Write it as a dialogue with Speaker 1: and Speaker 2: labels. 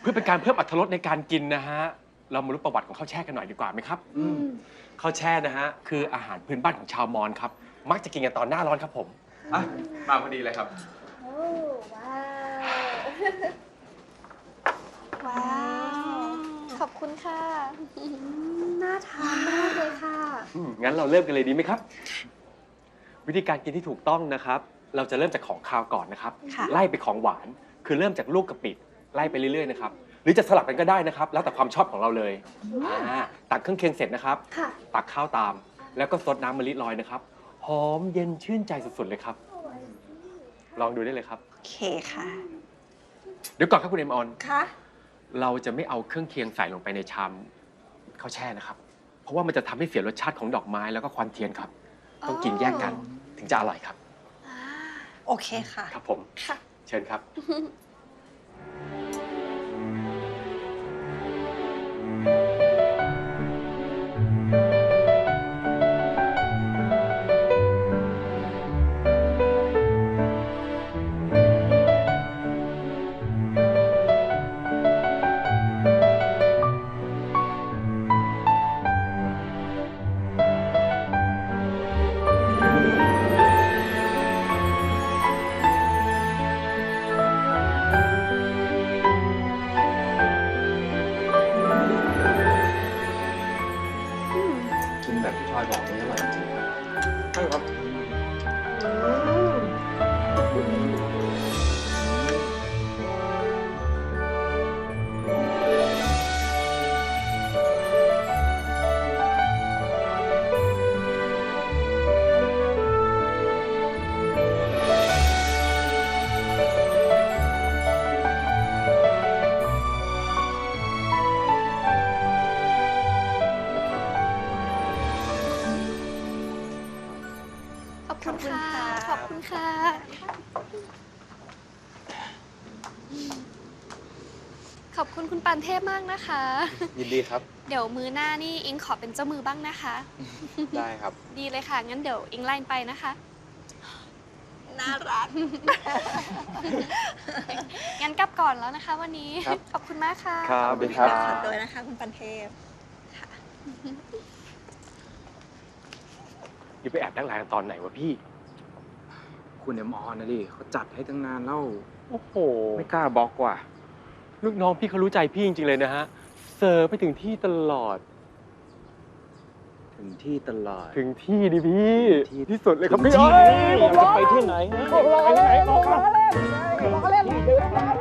Speaker 1: เพื่อเป็นการเพิ่มอรรถรสในการกินนะฮะเรามารู้ประวัติของข้าวแช่กันหน่อยดีกว่าไหมครับข้าวแช่นะฮะคืออาหารพื้นบ้านของชาวมอญครับมักจะกินกันตอนหน้าร้อนครับผมมาพอดีเลยครับ
Speaker 2: โอ้ว้าวว้าวขอบคุณค่ะน่าทานมากเลยค่ะ
Speaker 1: งั้นเราเริ่มกันเลยดีไหมครับวิธีการกินที่ถูกต้องนะครับเราจะเริ่มจากของคาวก่อนนะครับไล่ไปของหวานคือเริ่มจากลูกกะปิไล่ไปเรื่อยๆนะครับหรือจะสลับกันก็ได้นะครับแล้วแต่ความชอบของเราเลยตักเครื่องเคียงเสร็จนะครับตักข้าวตามแล้วก็ซดน้ำมะลิลอยนะครับหอมเย็นชื่นใจสุดๆเลยครับลองดูได้เลยครับ
Speaker 2: โอเคค่ะ
Speaker 1: เดี๋ยวก่อนครับคุณเอ็มออน
Speaker 2: ค่ะ
Speaker 1: เราจะไม่เอาเครื่องเคียงใส่ลงไปในชามข้าวแช่นะครับเพราะว่ามันจะทำให้เสียรสชาติของดอกไม้แล้วก็ควันเทียนครับต้องกินแยกกันถึงจะอร่อยครับ
Speaker 2: โอเคค่ะ
Speaker 1: ครับผม
Speaker 2: ค่ะ
Speaker 1: เชิญครับ
Speaker 3: แบบที่ทอยบอกนี่อร่อยจริงใช่ครับ
Speaker 2: ขอบคุณค่ะขอบคุณค่ะขอบคุณคุณปานเทพมากนะคะ
Speaker 3: ยินดีครับ
Speaker 2: เดี๋ยวมื้อหน้านี่อิงขอเป็นเจ้ามือบ้างนะคะ
Speaker 3: ได้ครับ
Speaker 2: ดีเลยค่ะงั้นเดี๋ยวอิงไล่ไปนะคะน่ารักงั้นกลับก่อนแล้วนะคะวันนี้ขอบคุณมากค่ะ
Speaker 1: ครับ
Speaker 2: ขอบคุณค่ะโดยนะคะคุณปานเทพค่ะ
Speaker 1: นี่ไปแอบนั่งไลน์กันตอนไหนวะพี่
Speaker 3: คุณเอ็มออนนะดิเขาจัดให้ตั้งนานแล้ว
Speaker 1: โอ้โห
Speaker 3: ไม่กล้าบล็อกว่ะ
Speaker 1: ลูกน้องพี่เขารู้ใจพี่จริงๆเลยนะฮะเสิร์ฟไปถึงที่ตลอด
Speaker 3: ถึงที่ตลอด
Speaker 1: ถึงที่ดิพี่ที่สุดเลยครับพี่
Speaker 3: เราจะไปที่ไหน
Speaker 1: ไปที่ไหน